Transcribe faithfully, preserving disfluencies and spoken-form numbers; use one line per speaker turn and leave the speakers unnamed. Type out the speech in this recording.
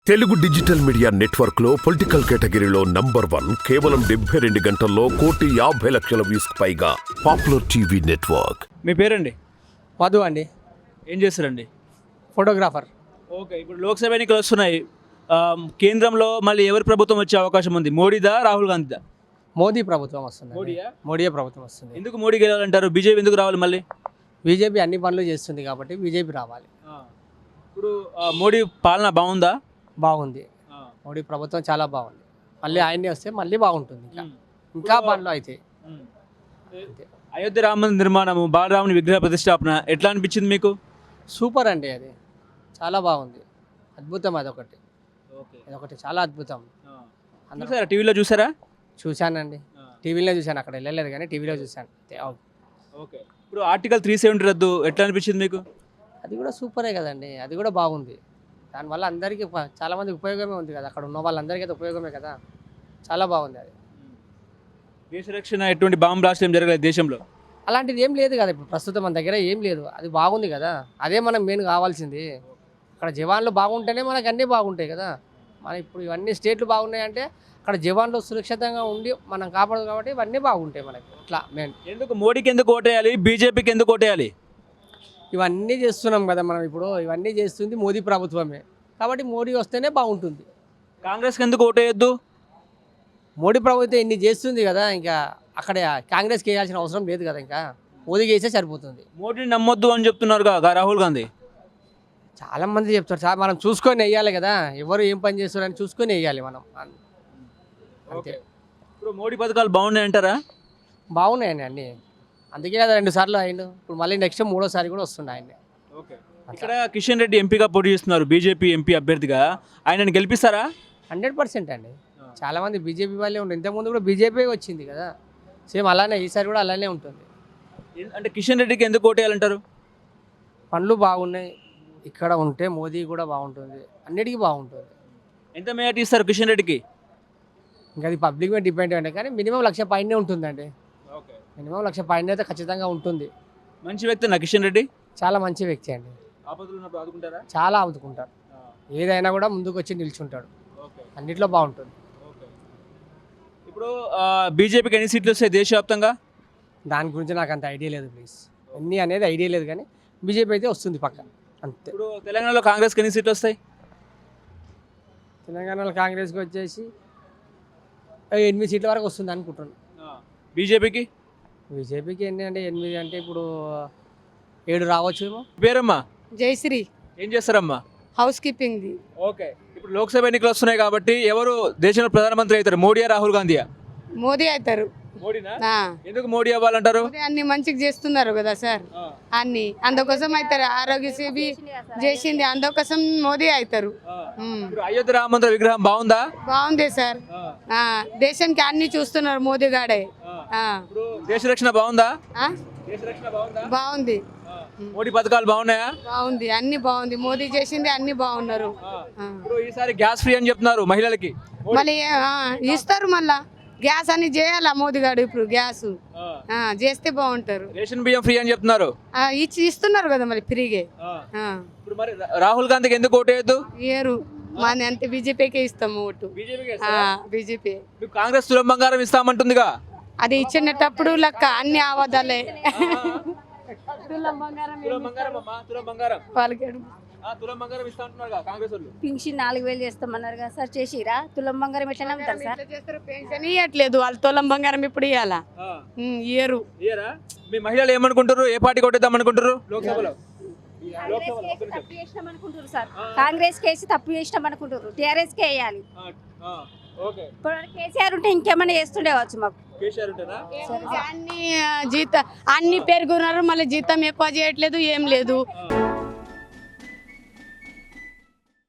Telugu digital media network లో political కేటగిరీలో number one కేవలం డెబ్బై రెండు గంటల్లో కోటి యాభై లక్షల వ్యూస్ పైగా పాపులర్ టీవీ నెట్వర్క్.
మీ పేరండి?
మధు అండి.
ఏం చేస్తారండి?
ఫోటోగ్రాఫర్.
ఓకే, ఇప్పుడు లోక్సభ ఎన్నికలు వస్తున్నాయి. ఆ, కేంద్రంలో మళ్ళీ ఎవరి ప్రభుత్వం వచ్చే అవకాశం ఉంది? మోడీదా, రాహుల్ గాంధీదా?
మోదీ ప్రభుత్వం వస్తుంది.
మోడీయా?
మోడీయే ప్రభుత్వం వస్తుంది.
ఎందుకు మోడీ గెలవాలంటారు? బీజేపీ ఎందుకు రావాలి మళ్ళీ?
బీజేపీ అన్ని పనులు చేస్తుంది కాబట్టి బీజేపీ రావాలి.
ఆ, ఇప్పుడు ఆ, మోడీ పాలన బాగుందా?
బాగుంది.
ఆ,
మోడీ ప్రభుత్వం చాలా బాగుంది. మళ్ళీ ఆయనే వస్తే మళ్ళీ బాగుంటుంది. ఇంకా
ఉమ్.
ఇంకా పనులు అయితే
ఉమ్. అయోధ్య రామ మందిర నిర్మాణము, బాలరాముని విగ్రహ ప్రతిష్టాపన ఎట్లా అనిపించింది మీకు?
సూపర్ అండి. అది చాలా బాగుంది. అద్భుతం. అదొకటి
ఓకే,
అదొకటి చాలా అద్భుతం. అందరూ
చూసారా? టీవీలో చూసారా?
చూశానండి. టీవీలో చూశాను. అక్కడ వెళ్ళలేదు కానీ టీవీలో చూశాను.
ఓకే, ఇప్పుడు ఆర్టికల్ త్రీ సెవెంటీ రద్దు ఎట్లా అనిపించింది మీకు?
అది కూడా సూపరే కదండి. అది కూడా బాగుంది. దానివల్ల అందరికీ ప- చాలా మందికి ఉపయోగమే ఉంది కదా. అక్కడ ఉన్న వాళ్ళందరికీ అయితే ఉపయోగమే కదా. చాలా బాగుంది అది.
దేశ రక్షణ ఎటువంటి బాంబు బ్లాస్ట్ ఏం జరగలేదు దేశంలో?
అలాంటిది ఏం లేదు కదా. ఇప్పుడు ప్రస్తుతం మన దగ్గర ఏం లేదు. అది బాగుంది కదా. అదే మనం మెయిన్ కావాల్సింది. అక్కడ జవాన్లు బాగుంటేనే మనకు అన్నీ బాగుంటాయి కదా. మన ఇప్పుడు ఇవన్నీ స్టేట్లు బాగున్నాయంటే అక్కడ జవాన్లు సురక్షితంగా ఉండి మనం కాపాడదు కాబట్టి ఇవన్నీ బాగుంటాయి మనకి. ఇట్లా మెయిన్
ఎందుకు మోడీకి ఎందుకు ఓటేయాలి, బీజేపీకి ఎందుకు ఓటేయాలి?
ఇవన్నీ చేస్తున్నాం కదా మనం. ఇప్పుడు ఇవన్నీ చేస్తుంది మోదీ ప్రభుత్వమే కాబట్టి మోడీ వస్తేనే బాగుంటుంది.
కాంగ్రెస్కి ఎందుకు ఓటేయొద్దు?
మోడీ ప్రభుత్వం ఇన్ని చేస్తుంది కదా. ఇంకా అక్కడ కాంగ్రెస్కి వేయాల్సిన అవసరం లేదు కదా. ఇంకా మోదీకి వేస్తే సరిపోతుంది.
మోడీని నమ్మొద్దు అని చెప్తున్నారు రాహుల్ గాంధీ.
చాలా మంది చెప్తారు సార్. మనం చూసుకొని వేయాలి కదా. ఎవరు ఏం పని చేస్తారని చూసుకొని వేయాలి మనం. అంతే.
ఇప్పుడు మోడీ పథకాలు బాగున్నాయి అంటారా?
బాగున్నాయండి అన్నీ. అందుకే కదా రెండు సార్లు అయిండు. ఇప్పుడు మళ్ళీ నెక్స్ట్ మూడోసారి కూడా వస్తుండే ఆయన.
ఓకే, ఇక్కడ కిషన్ రెడ్డి ఎంపీగా పోటీ చేస్తున్నారు, బీజేపీ ఎంపీ అభ్యర్థిగా. ఆయనను గెలిపిస్తారా?
హండ్రెడ్ పర్సెంట్ అండి. చాలా మంది బీజేపీ వాళ్ళే ఉంటారు. ఇంతకుముందు కూడా బీజేపీ వచ్చింది కదా. సేమ్ అలానే ఈసారి కూడా అలానే ఉంటుంది.
ఎన్- అంటే కిషన్ రెడ్డికి ఎందుకు ఓటేయాలంటారు?
పనులు బాగున్నాయి. ఇక్కడ ఉంటే మోదీ కూడా బాగుంటుంది. అన్నిటికీ బాగుంటుంది.
ఎంత మేటి ఇస్తారు కిషన్ రెడ్డికి?
ఇంకా అది పబ్లిక్ మీద డిపెండ్ అండి. కానీ మినిమం లక్ష పైనే ఉంటుందండి.
ఓకే,
మినిమం లక్ష పైన అయితే ఖచ్చితంగా ఉంటుంది.
మంచి వ్యక్తి నా కిషన్ రెడ్డి.
చాలా మంచి వ్యక్తి అండి.
ఆపదలు ఉన్నప్పుడు ఆదుకుంటారా?
చాలా ఆదుకుంటారు. ఏదైనా కూడా ముందుకు వచ్చి నిల్చుంటాడు.
ఓకే,
అన్నిట్లో బాగుంటుంది.
ఓకే. ఇప్పుడు బీజేపీకి ఎన్ని సీట్లు వస్తాయి దేశవ్యాప్తంగా?
దాని గురించి నాకు అంత ఐడియా లేదు ప్లీజ్. ఎన్ని అనేది ఐడియా లేదు కానీ బీజేపీ అయితే వస్తుంది పక్క. అంతే.
ఇప్పుడు తెలంగాణలో కాంగ్రెస్కి ఎన్ని సీట్లు వస్తాయి?
తెలంగాణలో కాంగ్రెస్కి వచ్చేసి ఎనిమిది సీట్ల వరకు వస్తుంది అనుకుంటున్నాను.
బీజేపీకి?
బీజేపీకి ఎన్ని అంటే ఎనిమిది అంటే ఇప్పుడు ఏడు రావచ్చు ఏమో.
పేరమ్మా?
జయశ్రీ.
ఏం చేస్తారమ్మా?
హౌస్ కీపింగ్ది.
ఓకే, ఇప్పుడు లోక్సభ ఎన్నికలు వస్తున్నాయి కాబట్టి ఎవరు దేశంలో ప్రధానమంత్రి అవుతారు? మోడీయా, రాహుల్ గాంధీయా?
మోదీ అవుతారు.
మోడీనా?
ఆ.
ఎందుకు మోడీ అవ్వాలంటారు?
మోదీ అన్ని మంచిగా చేస్తున్నారు కదా సార్. అన్ని అందుకోసం అవుతారు. ఆరోగ్యశ్రీ చేసింది అందుకోసం మోదీ అవుతారు. ఉమ్.
ఇప్పుడు అయోధ్య రామ మందిర విగ్రహం బాగుందా?
బాగుంది సార్. ఆ, దేశానికి అన్ని చూస్తున్నారు మోదీ గాడే. ఆ.
ఇప్పుడు దేశ రక్షణ బాగుందా?
ఆ?
దేశ రక్షణ బాగుందా?
బాగుంది.
మోడీ పథకాలు బాగున్నాయా?
బాగుంది. అన్ని బాగుంది. మోదీ చేసింది అన్ని బాగున్నారు. ఆ.
ఇప్పుడు ఈసారి గ్యాస్ ఫ్రీ అని చెప్తున్నారు మహిళలకి.
మళ్ళీ ఆ, ఇస్తారు మళ్ళా. గ్యాస్ అని చేయాలా మోదీ గారు ఇప్పుడు గ్యాస్ ఆ, చేస్తే బాగుంటారు.
రేషన్ బియ్యం ఫ్రీ అని చెప్తున్నారు.
ఆ, ఇచ్చి ఇస్తున్నారు కదా మరి ఫ్రీగే. ఆ,
ఇప్పుడు మరి రాహుల్ గాంధీకి ఎందుకు ఓటేయద్దు?
ఏరు మాది అంతే బీజేపీకే ఇస్తాము ఓటు.
బీజేపీకి
బీజేపీ
కాంగ్రెస్ తులం బంగారం ఇస్తామంటుందిగా.
అది ఇచ్చినప్పుడు లెక్క అన్ని ఆవాదాలే. తులం బంగారం
తులం బంగారం అమ్మా, తులం బంగారం.
వాళ్ళకి
ఆ, తులం బంగారం ఇస్తా అంటున్నారు కాంగ్రెస్ వాళ్ళు.
పింఛన్ నాలుగు వేలు చేస్తామన్నారు కదా సార్, చేసిరా? తులం బంగారం ఎట్లా నమ్ముతారు సార్?
పెన్షన్ ఇవ్వట్లేదు వాళ్ళు. తులం బంగారం ఇప్పుడు ఇవ్వాలా?
ఆ,
ఇయ్యరు.
ఇయ్యరా? మీ మహిళలు ఏమనుకుంటారు? ఏ పార్టీ కొట్టేద్దాం అనుకుంటారు లోక్సభలో?
కాంగ్రెస్ కేసి తప్పు చేసినాం అనుకుంటారు సార్. కాంగ్రెస్ కేసి తప్పు చేసినాం అనుకుంటారు. టీఆర్ఎస్ కే వేయాలి.
ఆ, ఆ, ఓకే.
ఇప్పుడు కేసీఆర్ ఉంటే ఇంకేమైనా చేస్తుండేవచ్చు మాకు.
కేసీఆర్ ఉంటేనా?
అన్ని జీతం అన్ని పెరుగున్నారు. మళ్ళీ జీతం ఎక్కువ చేయట్లేదు. ఏం లేదు.
ఆ.